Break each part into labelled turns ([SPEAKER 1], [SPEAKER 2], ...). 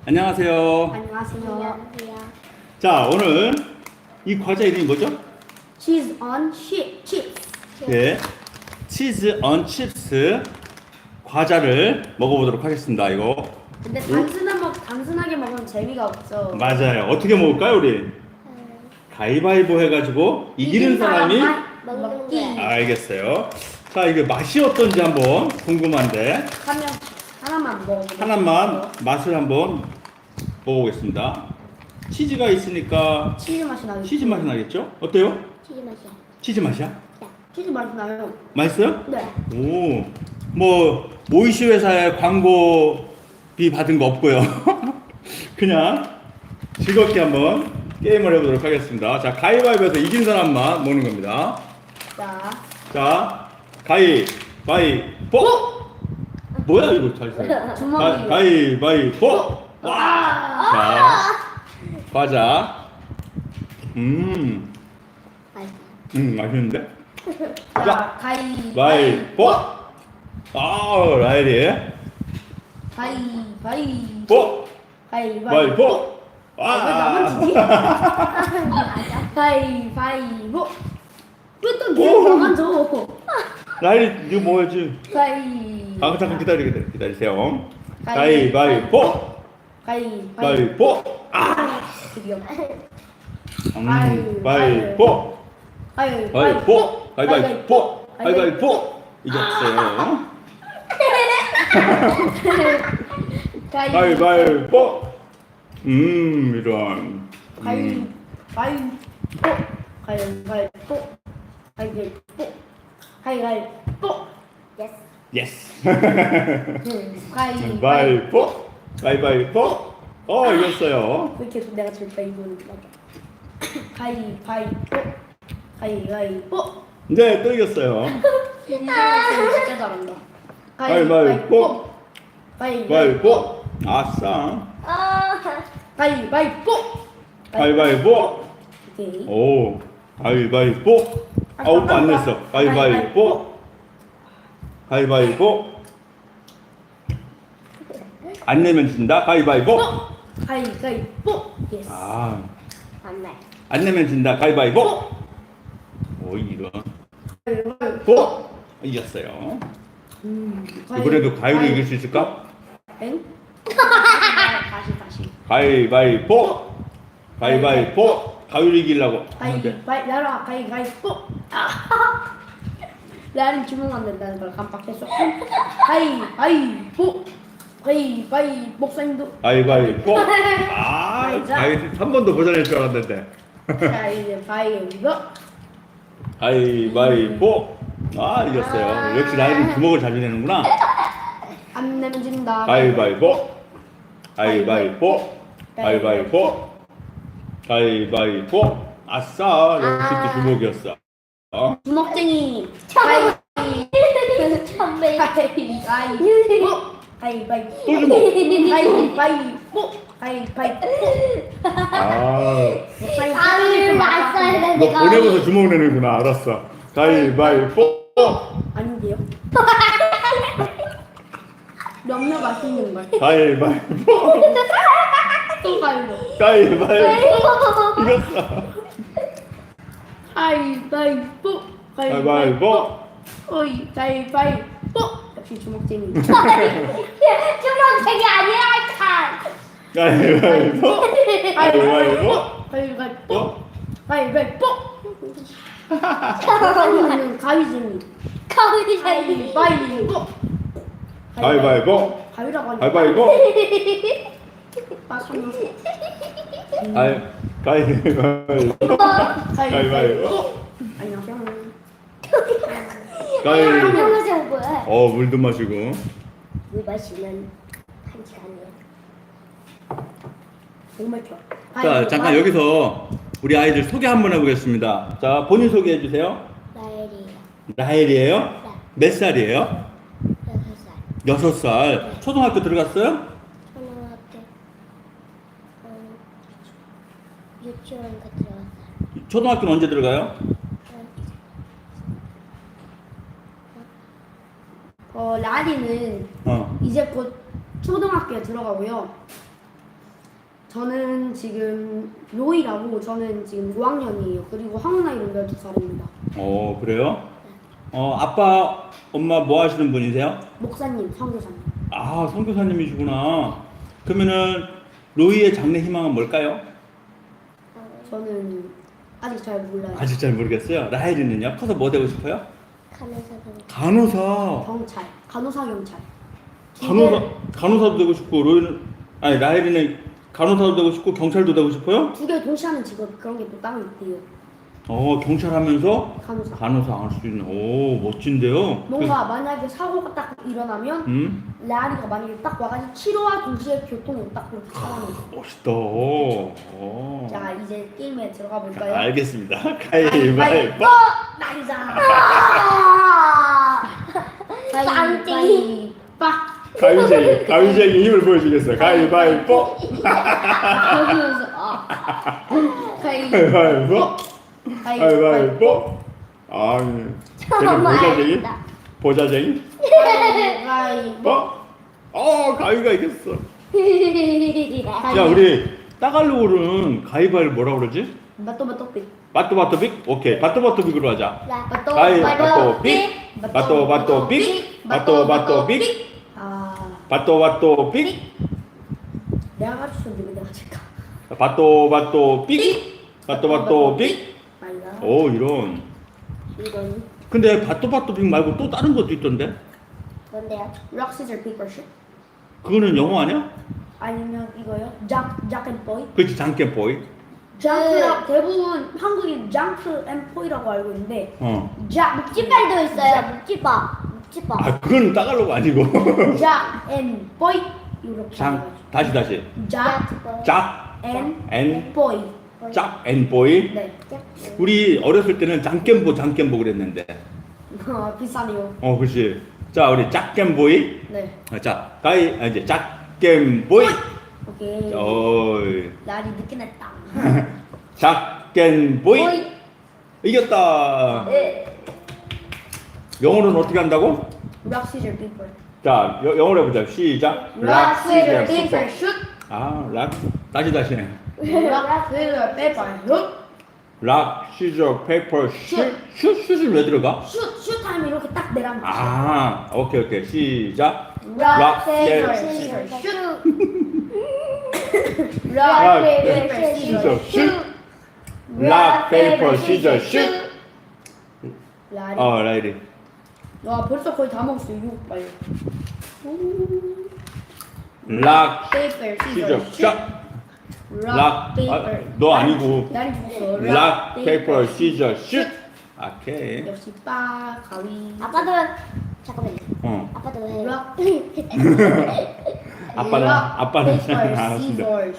[SPEAKER 1] 안녕하세요.
[SPEAKER 2] 안녕하세요.
[SPEAKER 3] 안녕하세요.
[SPEAKER 1] 자, 오늘 이 과자 이름이 뭐죠?
[SPEAKER 2] Cheese on chips.
[SPEAKER 1] 네. 치즈 언 칩스 과자를 먹어보도록 하겠습니다. 이거.
[SPEAKER 2] 근데 단순하게 먹으면 재미가 없죠.
[SPEAKER 1] 맞아요. 어떻게 먹을까요, 우리? 가위바위보 해가지고 이기는 사람이
[SPEAKER 2] 먹기.
[SPEAKER 1] 알겠어요. 자, 이게 맛이 어떤지 한번 궁금한데
[SPEAKER 2] 하나만 먹어보세요.
[SPEAKER 1] 하나만 맛을 한번 먹어보겠습니다. 치즈가 있으니까
[SPEAKER 2] 치즈 맛이 나요.
[SPEAKER 1] 치즈 맛이 나겠죠? 어때요?
[SPEAKER 3] 치즈 맛이야.
[SPEAKER 1] 치즈 맛이야?
[SPEAKER 2] 치즈 맛이 나요.
[SPEAKER 1] 맛있어요?
[SPEAKER 2] 네.
[SPEAKER 1] 오, 뭐 오이시 회사에 광고비 받은 거 없고요. 그냥 즐겁게 한번 게임을 해보도록 하겠습니다. 자, 가위바위보에서 이긴 사람만 먹는 겁니다. 자, 가위바위보. 뭐야 이거 잘 써.
[SPEAKER 2] 주먹이.
[SPEAKER 1] 가위바위보. 와. 자, 과자.
[SPEAKER 3] 맛있어.
[SPEAKER 1] 맛있는데?
[SPEAKER 2] 자,
[SPEAKER 1] 바위보. 아, 라일이.
[SPEAKER 2] 가위바위보.
[SPEAKER 1] 가위바위보.
[SPEAKER 2] 가위바위보. 왜 나만
[SPEAKER 1] 와.
[SPEAKER 2] 지지? 가위바위보. 왜또 니가 나만 줘?
[SPEAKER 1] 라일이 이거 뭐였지? 잠깐 기다리세요. 가위바위보. 바위보. 아.
[SPEAKER 2] 드디어.
[SPEAKER 1] 바위보. 바위보. 가위바위보. 가위바위보. 이겼어요. 가위바위보. 이런.
[SPEAKER 2] 가위바위보. 가위바위보. 가위바위보. 가위바위보.
[SPEAKER 3] 예스.
[SPEAKER 1] 예스.
[SPEAKER 2] 가위바위보.
[SPEAKER 1] 가위바위보. 이겼어요.
[SPEAKER 2] 왜 계속 내가 질까 이거는 가위바위보. 가위바위보.
[SPEAKER 1] 네, 또 이겼어요.
[SPEAKER 2] 진짜 잘한다.
[SPEAKER 1] 가위바위보.
[SPEAKER 2] 가위바위보.
[SPEAKER 1] 가위바위보. 아싸.
[SPEAKER 2] 가위바위보.
[SPEAKER 1] 가위바위보.
[SPEAKER 2] 오케이.
[SPEAKER 1] 오. 가위바위보. 오빠 안 냈어. 가위바위보. 가위바위보. 안 내면 진다. 가위바위보.
[SPEAKER 2] 가위바위보. 예스.
[SPEAKER 3] 맞네.
[SPEAKER 1] 안 내면 진다. 가위바위보. 이런.
[SPEAKER 2] 가위바위보.
[SPEAKER 1] 이겼어요. 이번에도 가위로 이길 수 있을까?
[SPEAKER 2] 엥? 다시.
[SPEAKER 1] 가위바위보. 가위바위보. 가위로 이기려고.
[SPEAKER 2] 가위바위보. 나는 주문 안 된다는 걸 깜빡했어. 가위바위보. 가위바위 목사님도.
[SPEAKER 1] 가위바위보. 가위 한 번도 도전할 줄 알았는데.
[SPEAKER 2] 자 이제 가위바위보.
[SPEAKER 1] 가위바위보. 이겼어요. 역시 나이는 주먹을 잘 내는구나.
[SPEAKER 2] 안 내면 진다.
[SPEAKER 1] 가위바위보. 가위바위보. 가위바위보. 가위바위보. 아싸. 역시 또 주먹이었어.
[SPEAKER 2] 주먹쟁이.
[SPEAKER 3] 선배.
[SPEAKER 2] 가위바위보. 가위바위보.
[SPEAKER 1] 또 주먹.
[SPEAKER 2] 가위바위보. 가위바위보. 목사님
[SPEAKER 3] 가위를 맞서야
[SPEAKER 1] 너
[SPEAKER 3] 되는데
[SPEAKER 1] 보내고서 주먹 내는구나. 알았어. 가위바위보.
[SPEAKER 2] 아닌데요? 몇몇 맛있는 걸.
[SPEAKER 1] 가위바위보.
[SPEAKER 2] 또 가위로.
[SPEAKER 1] 가위바위보. 이겼어.
[SPEAKER 2] 가위바위보.
[SPEAKER 1] 가위바위보.
[SPEAKER 2] 가위바위보. 역시 주먹쟁이.
[SPEAKER 3] 주먹색이 아니야 칼.
[SPEAKER 1] 가위바위보. 가위바위보.
[SPEAKER 2] 가위바위보. 가위바위보. 가위는 가위쟁이.
[SPEAKER 3] 가위쟁이.
[SPEAKER 2] 가위바위보.
[SPEAKER 1] 가위바위보.
[SPEAKER 2] 가위라고 하니까.
[SPEAKER 1] 가위바위보.
[SPEAKER 2] 가위바위보.
[SPEAKER 1] 가위바위보. 가위바위보.
[SPEAKER 2] 안녕하세요.
[SPEAKER 1] 가위바위보.
[SPEAKER 3] 안녕하세요 뭐야?
[SPEAKER 1] 물도 마시고.
[SPEAKER 3] 물 마시면 1시간이에요.
[SPEAKER 2] 정말 좋아.
[SPEAKER 1] 자, 잠깐 여기서 우리 아이들 소개 한번 해보겠습니다. 자, 본인 소개해 주세요.
[SPEAKER 3] 나엘이에요.
[SPEAKER 1] 라헬이에요? 몇 살이에요?
[SPEAKER 3] 6살.
[SPEAKER 1] 6살. 초등학교 들어갔어요?
[SPEAKER 3] 초등학교 유치원 들어갔어요.
[SPEAKER 1] 초등학교는 언제 들어가요?
[SPEAKER 2] 라리는 이제 곧 초등학교에 들어가고요. 저는 지금 로이라고 저는 지금 5학년이에요. 그리고 한국 나이로 12살입니다.
[SPEAKER 1] 그래요? 아빠, 엄마 뭐 하시는 분이세요?
[SPEAKER 2] 목사님, 선교사님.
[SPEAKER 1] 아, 선교사님이시구나. 그러면은 로이의 장래 희망은 뭘까요?
[SPEAKER 2] 저는 아직 잘 몰라요.
[SPEAKER 1] 아직 잘 모르겠어요. 라헬이는요? 커서 뭐 되고 싶어요?
[SPEAKER 3] 간호사분.
[SPEAKER 1] 간호사.
[SPEAKER 2] 경찰, 간호사 경찰.
[SPEAKER 1] 간호사도 되고 싶고 로이는 아니 라헬이는 간호사도 되고 싶고 경찰도 되고 싶어요?
[SPEAKER 2] 두 개 동시에 하는 직업 그런 게 또 따로 있대요.
[SPEAKER 1] 경찰 하면서
[SPEAKER 2] 간호사.
[SPEAKER 1] 간호사 할 수 있는. 오, 멋진데요.
[SPEAKER 2] 뭔가 만약에 사고가 딱 일어나면 라리가 만약에 딱 와가지고 치료와 동시에 교통으로 딱 그렇게 상황이 있어요.
[SPEAKER 1] 멋있다.
[SPEAKER 2] 자 이제 게임에 들어가 볼까요?
[SPEAKER 1] 알겠습니다. 가위바위보.
[SPEAKER 2] 나이자.
[SPEAKER 3] 쌍둥이.
[SPEAKER 2] 빠.
[SPEAKER 1] 가위쟁이 힘을 보여주겠어요. 가위바위보.
[SPEAKER 2] 그러면서
[SPEAKER 1] 가위바위보. 가위바위보. 아, 걔는 보자쟁이. 보자쟁이.
[SPEAKER 2] 가위바위보.
[SPEAKER 1] 가위가 이겼어. 야, 우리 따갈로그는 가위바위보 뭐라 그러지?
[SPEAKER 2] 바또바또삐.
[SPEAKER 1] 바또바또빅? 오케이, 바또바또빅으로 하자.
[SPEAKER 2] 바또
[SPEAKER 1] 가위바위보빅. 바또바또빅. 바또바또빅. 바또바또빅.
[SPEAKER 2] 내가 가르쳤는데 왜 내가 칠까?
[SPEAKER 1] 바또바또빅. 바또바또빅.
[SPEAKER 2] 아니다.
[SPEAKER 1] 오, 이런.
[SPEAKER 2] 이건
[SPEAKER 1] 근데 바또바또빅 말고 또 다른 것도 있던데?
[SPEAKER 3] 뭔데요?
[SPEAKER 2] 락 시저 페이퍼 슛
[SPEAKER 1] 그거는 영어 아니야?
[SPEAKER 2] 아니면 이거요? jak앤보이.
[SPEAKER 1] 그렇지, 장깨보이.
[SPEAKER 2] 장크랑 대부분 한국인 장크 앤 포이라고 알고 있는데 작
[SPEAKER 3] 묵지발도 있어요. 묵지밥. 묵지밥.
[SPEAKER 1] 그건 따갈로그 아니고.
[SPEAKER 2] jak앤 보이 이렇게
[SPEAKER 1] 다시.
[SPEAKER 2] jak앤
[SPEAKER 1] 앤
[SPEAKER 2] 보이.
[SPEAKER 1] 짝앤보이.
[SPEAKER 2] 네.
[SPEAKER 1] 우리 어렸을 때는 장깨보 그랬는데.
[SPEAKER 2] 비싸네요.
[SPEAKER 1] 그렇지. 자, 우리 짝깨보이.
[SPEAKER 2] 네.
[SPEAKER 1] 자, 이제 짝깨보이.
[SPEAKER 2] 오케이.
[SPEAKER 1] 어이.
[SPEAKER 2] 날이 늦게 냈다.
[SPEAKER 1] 짝깨보이. 이겼다.
[SPEAKER 3] 네.
[SPEAKER 1] 영어로는 어떻게 한다고?
[SPEAKER 2] 락 시저 페이퍼.
[SPEAKER 1] 자, 영어로 해보자. 시작.
[SPEAKER 2] 락 시저 페이퍼 슛.
[SPEAKER 1] 락. 다시.
[SPEAKER 2] 락 시저 페이퍼 슛.
[SPEAKER 1] 락, 시저, 페이퍼, 슛은 왜 들어가?
[SPEAKER 2] 슛 하면 이렇게 딱 내란 거죠.
[SPEAKER 1] 오케이. 시작.
[SPEAKER 2] 락
[SPEAKER 1] 페이퍼,
[SPEAKER 2] 시저
[SPEAKER 3] 슈.
[SPEAKER 2] 슛.
[SPEAKER 1] 락,
[SPEAKER 2] 페이퍼
[SPEAKER 1] 시저, 슛. 락, 페이퍼, 시저, 슛.
[SPEAKER 2] 라리.
[SPEAKER 1] 라이리.
[SPEAKER 2] 와 벌써 거의 다 먹었어. 이거 빨리.
[SPEAKER 1] 락,
[SPEAKER 2] 페이퍼
[SPEAKER 1] 시저,
[SPEAKER 2] 시저
[SPEAKER 1] 슛.
[SPEAKER 2] 슛.
[SPEAKER 1] 락, 너 아니고.
[SPEAKER 2] 나리 죽었어.
[SPEAKER 1] 락, 페이퍼, 시저, 슛. 오케이.
[SPEAKER 2] 역시 빠 가위.
[SPEAKER 3] 아빠도 잠깐만요. 아빠도 해.
[SPEAKER 2] 락.
[SPEAKER 1] 아빠는
[SPEAKER 2] 페이퍼
[SPEAKER 1] 알았습니다.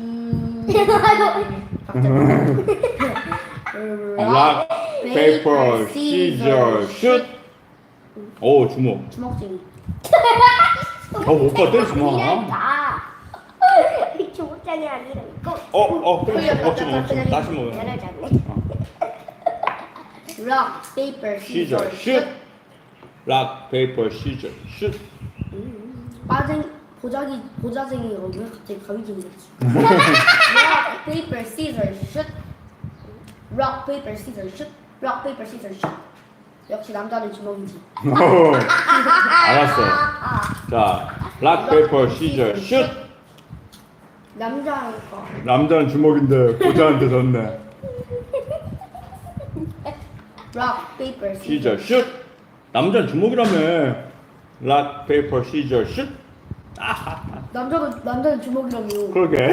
[SPEAKER 2] 락
[SPEAKER 1] 락, 페이퍼, 시저, 슛. 오, 주먹.
[SPEAKER 2] 주먹쟁이.
[SPEAKER 1] 오빠 때리지 마.
[SPEAKER 3] 미안하다. 조국장이 아니라 이거.
[SPEAKER 1] 먹지 마. 다시 먹어.
[SPEAKER 2] 락 페이퍼
[SPEAKER 1] 시저,
[SPEAKER 2] 시저
[SPEAKER 1] 슛. 락, 페이퍼, 시저, 슛.
[SPEAKER 2] 보자쟁이가 왜 갑자기 가위쟁이 됐지? 락 페이퍼 시저 슛. 락 페이퍼 시저 슛. 락 페이퍼 시저 슛. 역시 남자는 주먹이지.
[SPEAKER 1] 알았어. 자, 락, 페이퍼, 시저, 슛.
[SPEAKER 2] 남자니까.
[SPEAKER 1] 남자는 주먹인데 보자한테 졌네.
[SPEAKER 2] 락 페이퍼
[SPEAKER 1] 시저, 슛. 남자는 주먹이라며. 락, 페이퍼, 시저, 슛.
[SPEAKER 2] 남자는 주먹이라며.
[SPEAKER 1] 그러게.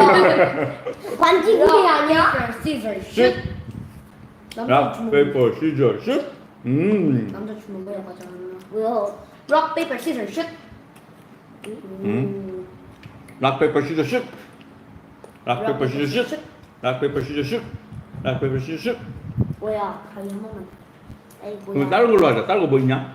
[SPEAKER 3] 관직이 아니야?
[SPEAKER 2] 페이퍼 시저
[SPEAKER 1] 슛.
[SPEAKER 2] 슛. 남자
[SPEAKER 1] 락,
[SPEAKER 2] 주먹.
[SPEAKER 1] 페이퍼, 시저, 슛.
[SPEAKER 2] 남자 주먹이야 맞아.
[SPEAKER 3] 뭐야?
[SPEAKER 2] 락 페이퍼 시저 슛.
[SPEAKER 1] 락, 페이퍼, 시저, 슛. 락, 페이퍼, 시저, 슛. 락, 페이퍼, 시저, 슛. 락, 페이퍼, 시저, 슛.
[SPEAKER 3] 뭐야?
[SPEAKER 2] 가위 한 번만.
[SPEAKER 3] 아이
[SPEAKER 1] 그럼
[SPEAKER 3] 뭐야?
[SPEAKER 1] 다른 걸로 하자. 다른 거 뭐 있냐?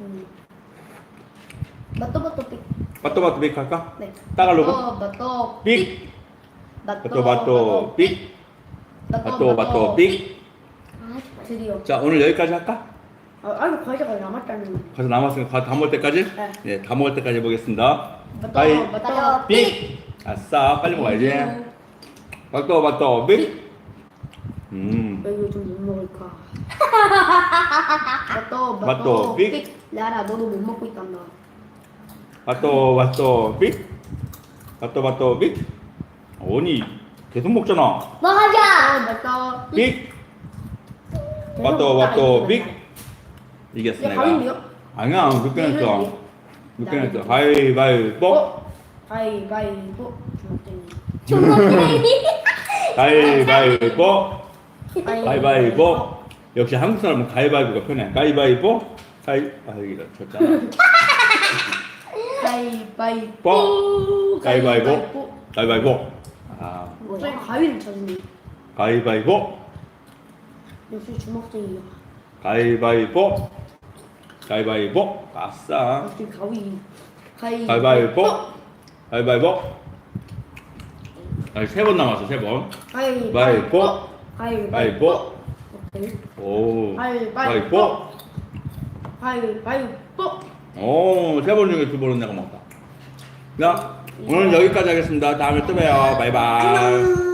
[SPEAKER 2] 맞도 삑.
[SPEAKER 1] 바또 빅 할까?
[SPEAKER 2] 네.
[SPEAKER 1] 따갈로그?
[SPEAKER 2] 맞도
[SPEAKER 1] 빅.
[SPEAKER 2] 맞도
[SPEAKER 1] 바또 빅. 바또 빅.
[SPEAKER 2] 드디어.
[SPEAKER 1] 자, 오늘 여기까지 할까?
[SPEAKER 2] 아이고 과자가 남았다는.
[SPEAKER 1] 가서 남았으니까 다 먹을 때까지?
[SPEAKER 2] 네.
[SPEAKER 1] 네, 다 먹을 때까지 해보겠습니다.
[SPEAKER 2] 맞도
[SPEAKER 1] 가위,
[SPEAKER 2] 맞도
[SPEAKER 1] 빅. 아싸, 빨리 먹어야지. 바토, 빅.
[SPEAKER 2] 나 이거 좀 못 먹을까?
[SPEAKER 1] 맛도 빅.
[SPEAKER 2] 라라 너도 못 먹고 있단다.
[SPEAKER 1] 바토, 빅. 바토, 빅. 아니, 계속 먹잖아.
[SPEAKER 3] 먹어자.
[SPEAKER 2] 맞다.
[SPEAKER 1] 빅. 바토, 빅. 이겼어,
[SPEAKER 2] 야
[SPEAKER 1] 내가.
[SPEAKER 2] 가위인데요?
[SPEAKER 1] 아니야, 늦게 냈어. 늦게 냈어. 가위바위보.
[SPEAKER 2] 가위바위보. 주먹쟁이.
[SPEAKER 1] 가위바위보. 가위바위보. 역시 한국 사람은 가위바위보가 편해. 가위바위보. 여기다 쳤잖아.
[SPEAKER 2] 가위바위보.
[SPEAKER 1] 가위바위보. 아,
[SPEAKER 2] 갑자기 가위를 찾으니.
[SPEAKER 1] 가위바위보.
[SPEAKER 2] 역시 주먹쟁이야.
[SPEAKER 1] 가위바위보. 아싸.
[SPEAKER 2] 역시 가위.
[SPEAKER 1] 가위바위보. 아니, 3번 남았어, 3번.
[SPEAKER 2] 가위바위보.
[SPEAKER 1] 가위바위보.
[SPEAKER 2] 오케이.
[SPEAKER 1] 오.
[SPEAKER 2] 가위바위보. 가위바위보.
[SPEAKER 1] 오, 3번 중에 2번은 내가 먹었다. 자, 오늘 여기까지 하겠습니다. 다음에 또 봬요. 바이바이.
[SPEAKER 2] 안녕.